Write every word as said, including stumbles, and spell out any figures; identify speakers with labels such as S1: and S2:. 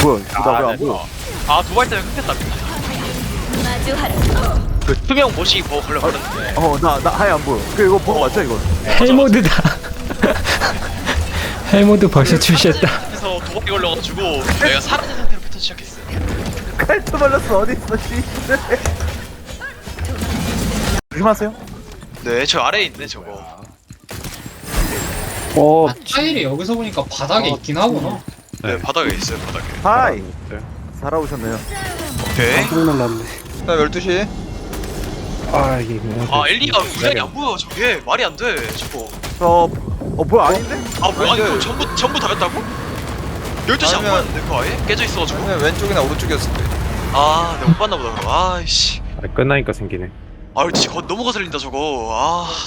S1: 뭐야 나 왜 안
S2: 네.
S1: 보여?
S3: 아 도발 때문에 끊겼다.
S4: 마주하라.
S3: 그 투명 모시 뭐 걸려 버렸는데.
S1: 어나 나 하얘 안 보여. 그 이거 보고 맞죠 이거?
S5: 헬모드다. 헬모드 벌써 출시했다.
S3: 그래서 도박이 걸려가지고 내가 사라진 상태로 패턴 시작했어.
S1: 칼트 발렸어 어디 있어 씨. 조심하세요.
S3: 네, 저 아래에 있네 저거.
S2: 어
S6: 아, 타일이 여기서 보니까 바닥에 있긴 하구나.
S3: 네, 바닥에 있어요 바닥에.
S1: 하이 살아오셨네요.
S3: 오케이.
S2: 깜짝 놀랐네.
S7: 나 열두 시.
S2: 아 이게 뭐야?
S3: 아 엘리가 우량이 안 보여 저게 말이 안 돼 저거.
S1: 저어 뭐야 아닌데?
S3: 아 뭐야
S7: 아니,
S3: 이거
S7: 그-
S3: 전부 전부 다였다고? 열두 시 안
S7: 아니면-
S3: 보였는데 그거 아예? 깨져 있어가지고.
S7: 아니면 왼쪽이나 오른쪽이었을 때.
S3: 아 내가 못 봤나 보다 그럼. 아이씨.
S2: 아, 끝나니까 생기네.
S3: 아 진짜 거, 너무 거슬린다 저거. 아